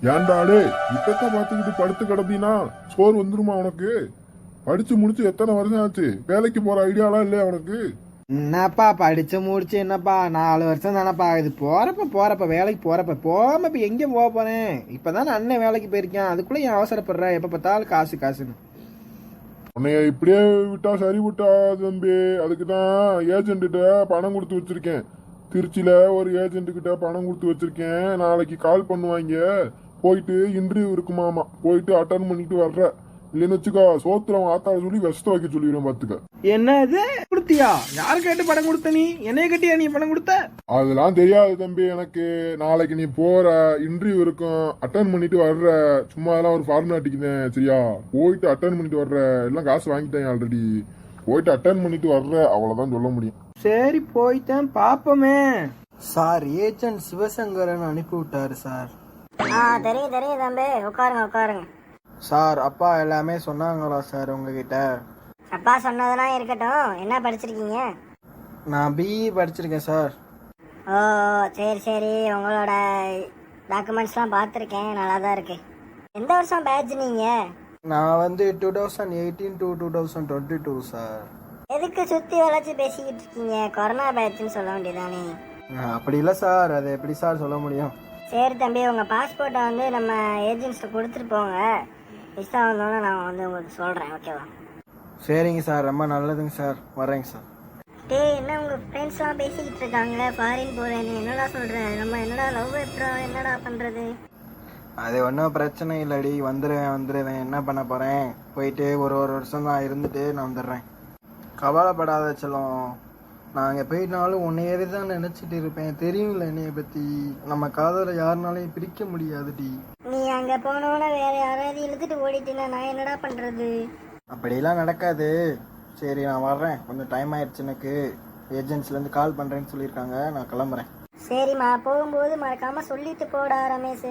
ஏன்டா டே இப்பத்தான் பார்த்துக்கிட்டு படுத்து கிடந்தீனா சோறு வந்துருமா உனக்கு? படிச்சு முடிச்சு எத்தனை வருஷம் ஆச்சு? வேலைக்கு போற ஐடியாலாம் இல்லையா உனக்கு? என்னப்பா படிச்சு முடிச்சு என்னப்பா 4 வருஷம் தானப்பா ஆகுது. போறப்ப வேலைக்கு போறப்ப போகாம இப்ப எங்க போக போறேன்? இப்பதானே அண்ணன் வேலைக்கு போயிருக்கேன், அதுக்குள்ள ஏன் அவசரப்படுற? எப்ப பார்த்தாலும் காசு காசுன்னு. உன்னைய இப்படியே விட்டா சரி விட்டா தம்பி. அதுக்கு தான் ஏஜென்ட்டு பணம் கொடுத்து வச்சிருக்கேன். திருச்சியில ஒரு ஏஜென்ட் கிட்ட பணம் கொடுத்து வச்சிருக்கேன். நாளைக்கு கால் பண்ணுவாங்க. போயிட்டு இன்டர்வியூ இருக்குமாமா, போயிட்டு அட்டன் பண்ணிட்டு வர்ற. இல்லைன்னு வச்சுக்கோ சோத்துல ஆத்தாள சொல்லி விஷத்தை வைக்க சொல்லிடுவேன் பாத்துக்க. என்ன இது கொடுத்தியா? யாரு கேட்டு பணம் கொடுத்த? நீ என்னைய கட்டியா நீ பணம் கொடுத்த? அதெல்லாம் தெரியாது தம்பி எனக்கு. நாளைக்கு நீ போற இன்டர்வியூ இருக்கும், அட்டன் பண்ணிட்டு வர்ற. சும்மா எல்லாம் ஒரு ஃபார்மாலிட்டிக்கு தான் சரியா? போயிட்டு அட்டன் பண்ணிட்டு வர்ற. எல்லாம் காசு வாங்கிட்டேன் ஆல்ரெடி. போயிட்டு அட்டன் பண்ணிட்டு வர்ற, அவ்வளவுதான் சொல்ல முடியும். சரி போயிட்டேன் பாப்போமே. சார் ஏஜென்ட் சிவசங்கரன் அனுப்பி விட்டாரு சார். தெரியும் தம்பி, உட்காருங்க. சார் அப்பா எல்லாமே சொன்னாங்களா சார் உங்ககிட்ட? அப்பா சொன்னதெல்லாம் இருக்கட்டும், என்ன படிச்சிருக்கீங்க? நான் பிஇ படிச்சிருக்கேன் சார். ஓ சரி, உங்களோட டாக்குமெண்ட்ஸ்லாம் பார்த்துருக்கேன், நல்லா தான் இருக்கு. எந்த வருஷம் பேட்ச் நீங்க? நான் வந்து 2018 to 2022 சார். எதுக்கு சுத்தி வளைச்சு பேசிக்கிட்டு இருக்கீங்க? கொரோனா பேட்ச்னு சொல்ல வேண்டியதானே? அப்படி இல்லை சார், அதை எப்படி சார் சொல்ல முடியும்? சரி தம்பி, உங்கள் பாஸ்போர்ட்டை வந்து நம்ம ஏஜென்ட்ஸ்ட்டு கொடுத்துட்டு போங்க. விசா வந்தோன்னே நான் வந்து உங்களுக்கு சொல்கிறேன், ஓகேவா? சரிங்க சார், ரொம்ப நல்லதுங்க சார், வரேங்க சார். என்ன உங்கள் ஃப்ரெண்ட்ஸ்லாம் பேசிக்கிட்டு இருக்காங்க ஃபாரின் போகிறேன்னு, என்னடா சொல்கிறேன்? நம்ம என்னடா லவ் எப்பறம் என்னடா பண்ணுறது? அது ஒன்றும் பிரச்சனை இல்லடி, வந்துடுவேன். என்ன பண்ண போகிறேன்? போயிட்டு ஒரு வருஷம் தான் இருந்துட்டு நான் வந்துடுறேன். கவலைப்படாத செல்லம். நான் அங்கே போயிட்டாலும் உன்னையே தான் நினச்சிட்டு இருப்பேன். தெரியும்ல என்னைய பற்றி. நம்ம காதலை யாருனாலையும் பிரிக்க முடியாதுடி. நீ அங்கே போனோன்னே வேறு யாராவது இழுத்துட்டு ஓடிட்டீங்கன்னா நான் என்னடா பண்ணுறது? அப்படிலாம் நடக்காது. சரி நான் வர்றேன், கொஞ்சம் டைம் ஆயிடுச்சு எனக்கு. ஏஜென்ட்ஸ்லேருந்து கால் பண்ணுறேன்னு சொல்லியிருக்காங்க, நான் கிளம்புறேன். சரிம்மா, போகும்போது மறக்காமல் சொல்லிட்டு போடா ரமேஷ்.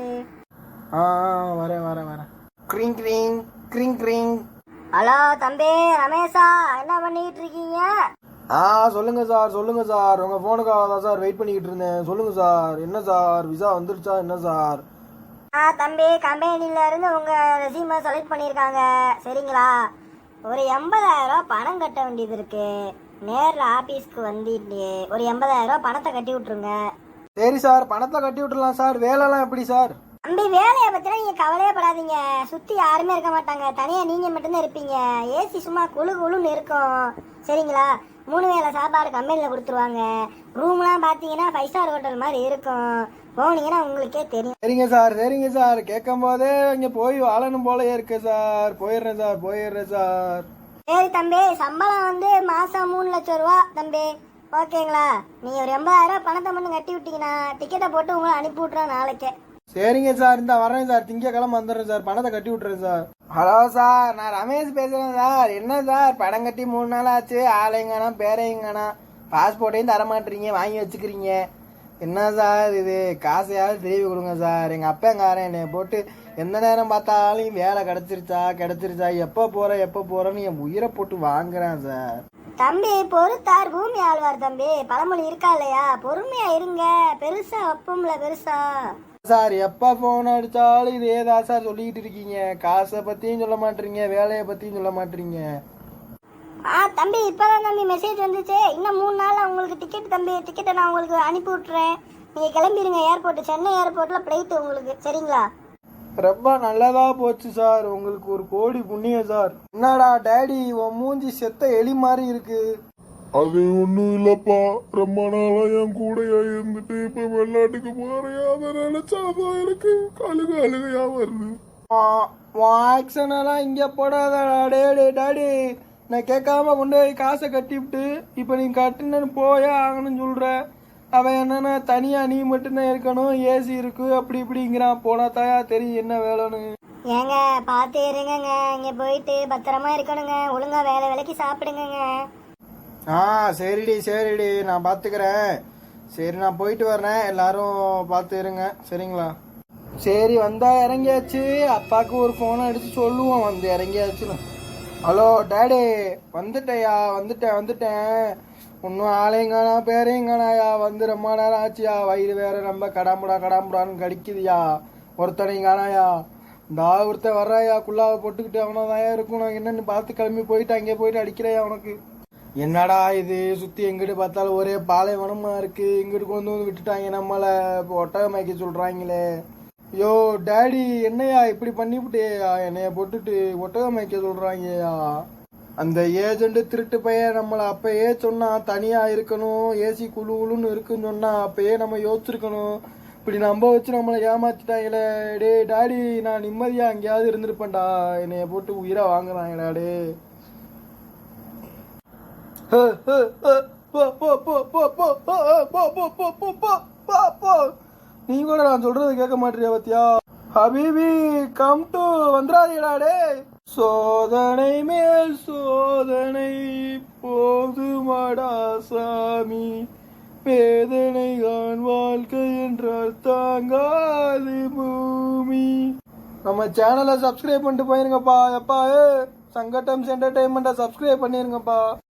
வரேன். க்ரீங் க்ரீங் க்ரீங் க்ரீங். ஹலோ தம்பி ரமேஷா, என்ன பண்ணிக்கிட்டு இருக்கீங்க? சொல்லுங்க சார். உங்க போனுக்காக தான் சார் வெயிட் பண்ணிக்கிட்டு இருந்தேன். சொல்லுங்க சார். என்ன சார், விசா வந்துருச்சா என்ன சார்? தம்பி, கம்பெனில இருந்து உங்க ரெசியூமை செலக்ட் பண்ணியிருக்காங்க, சரிங்களா? ஒரு 80,000 பணம் கட்ட வேண்டியது இருக்கு. நேரில் ஆபீஸ்க்கு வந்துட்டு ஒரு 80,000 பணத்தை கட்டி விட்டுருங்க. சரி சார், பணத்தை கட்டி விட்டுலாம் சார். வேலைலாம் எப்படி சார்? தம்பி, வேலையை பத்தினா நீங்க கவலையே படாதீங்க. சுத்தி யாருமே இருக்க மாட்டாங்க, தனியா நீங்க மட்டும்தான் இருப்பீங்க. ஏசி சும்மா குழுன்னு இருக்கும், சரிங்களா? 3 வேளை சாப்பாடு கம்பெனியில் கொடுத்துருவாங்க. ரூம்லாம் பார்த்தீங்கன்னா 5 ஸ்டார் ஹோட்டல் மாதிரி இருக்கும். போனீங்கன்னா உங்களுக்கே தெரியும். சரிங்க சார். கேட்கும் போதே இங்கே போய் வாழணும் போல இருக்கு சார். போயிடுறேன் சார். சரி தம்பி, சம்பளம் வந்து மாதம் 3 லட்சம் ரூபா தம்பி, ஓகேங்களா? நீங்கள் ஒரு 80,000 பணத்தை மட்டும் கட்டி விட்டீங்கன்னா டிக்கெட்டை போட்டு உங்களை அனுப்பி விட்றோம் நாளைக்கே. சரிங்க சார், இந்த வரேன் சார். திங்கக்கிழமை வந்துடுறேன் சார். பணத்தை கட்டி விட்டுறேன் சார். ஹலோ சார், நான் ரமேஷ் பேசுறேன் சார். என்ன சார், படம் கட்டி 3 நாள் ஆச்சு, ஆளையங்கானா பேரையங்கானா, பாஸ்போர்ட்டையும் தரமாட்டீங்க, வாங்கி வச்சுக்கிறீங்க. என்ன சார் இது? காசையாவது திருப்பி கொடுங்க சார். எங்கள் அப்பங்காரன் என்னை போட்டு எந்த நேரம் பார்த்தாலும் வேலை கிடைச்சிருச்சா எப்போ போகிறேன்னு என் உயிரை போட்டு வாங்குறேன் சார். தம்பி பொறுத்தார் பூமி ஆழ்வார் தம்பி, பழமொழி இருக்கா இல்லையா? பொறுமையா இருங்க, பெருசா வைப்போம்ல பெருசா. சார் எப்போ ஃபோன் அடித்தாலும் இதே தான் சார் சொல்லிக்கிட்டு இருக்கீங்க. காசை பற்றியும் சொல்ல மாட்டீங்க, வேலையை பற்றியும் சொல்ல மாட்டீங்க. தம்பி, இப்போதான் தம்பி மெசேஜ் வந்துச்சு. இன்னும் 3 நாள் உங்களுக்கு டிக்கெட் தம்பி. டிக்கெட்டை நான் உங்களுக்கு அனுப்பி விட்டுறேன். நீங்கள் கிளம்பிடுங்க ஏர்போர்ட்டு. சென்னை ஏர்போர்ட்டில் ஃப்ளைட்டு உங்களுக்கு, சரிங்களா? ரொம்ப நல்லதா போச்சு சார். உங்களுக்கு ஒரு கோடி புண்ணியம் சார். என்னடா டேடி, உன் மூஞ்சி செத்த எலி மாதிரி இருக்கு. அது ஒண்ணும் இல்லப்பா, ரொம்ப நாளா என் கூடையா இருந்துட்டு இப்ப வெளிநாட்டுக்கு போறேன். அதை நினைச்சாதான் எனக்கு அழுகையா வருது. ஆக்சனெல்லாம் இங்க போடாதடா டாடி. நான் கேட்காம கொண்டு போய் காசை கட்டி விட்டு இப்ப நீ கட்டுன்னு போயே ஆகணும்னு சொல்ற. அவன் என்னன்னா தனியா நீ மட்டும்தான் இருக்கணும், ஏசி இருக்கு அப்படி இப்படிங்கிறான். போனா தாயா தெரியும் என்ன வேலைன்னு. ஏங்க பார்த்து இருங்கங்க, இங்க போயிட்டு பத்திரமா இருக்கணுங்க. ஒழுங்கா வேலைக்கு சாப்பிடுங்க. சரிடி நான் பாத்துக்கிறேன். சரி நான் போயிட்டு வர்றேன், எல்லாரும் பார்த்து இருங்க, சரிங்களா? சரி வந்தா இறங்கியாச்சு. அப்பாவுக்கு ஒரு போனை அடிச்சு சொல்லுவோம் வந்து இறங்கியாச்சுன்னு. ஹலோ டாடி, வந்துட்டேன். ஒன்றும் ஆளையங்கானா பேரையங்கானாயா, வந்து ரொம்ப நேரம் ஆச்சியா. வயிறு வேற ரொம்ப கடாமுடான்னு கடிக்குதுயா. ஒருத்தனை காணாயா, இந்த ஒருத்தன் வர்றாயா குள்ளாவை போட்டுக்கிட்டு அவனதாயா இருக்கும். நான் என்னன்னு பார்த்து கிளம்பி போயிட்டு அங்கே போயிட்டு அடிக்கிறையா உனக்கு. என்னடா இது சுத்தி எங்கிட்டு பார்த்தாலும் ஒரே பாலைவனமா இருக்கு. இங்கிட்டு கொண்டு வந்து விட்டுட்டாங்க நம்மள ஒட்டக மேய்க்க சொல்றாங்களே. யோ டேடி என்னையா இப்படி பண்ணிவிட்டேயா, என்னைய போட்டுட்டு ஒட்டக மேய்க்க சொல்றாங்கயா. அந்த ஏஜென்ட் திருட்டு பையன் நம்மளை அப்பயே சொன்னா தனியா இருக்கணும், ஏசி குழு குழுன்னு இருக்குன்னு சொன்னா அப்பயே நம்ம யோசிச்சிருக்கணும். இப்படி நம்ப வச்சு நம்மளை ஏமாத்திட்டாங்களே. டே டாடி நான் நிம்மதியா அங்கேயாவது இருந்திருப்பேன்டா, என்னைய போட்டு உயிரா வாங்குறாங்கடா. டே நீ கூட நான் சொல்றது கேட்க மாட்டியா பத்தியா. ஹபீபி கம் டு வந்துடாதீடா. டே சோதனை மேல் சோதனை போதுமாடா சாமி, வேதனை தான் வாழ்க்கை என்றால் தாங்காது பூமி. நம்ம சேனலை சப்ஸ்கிரைப் பண்ணிட்டு போயிருங்கப்பா. எப்பா சங்கட்டம்ஸ் என்டர்டைன்மெண்ட்டை சப்ஸ்கிரைப் பண்ணிருங்கப்பா.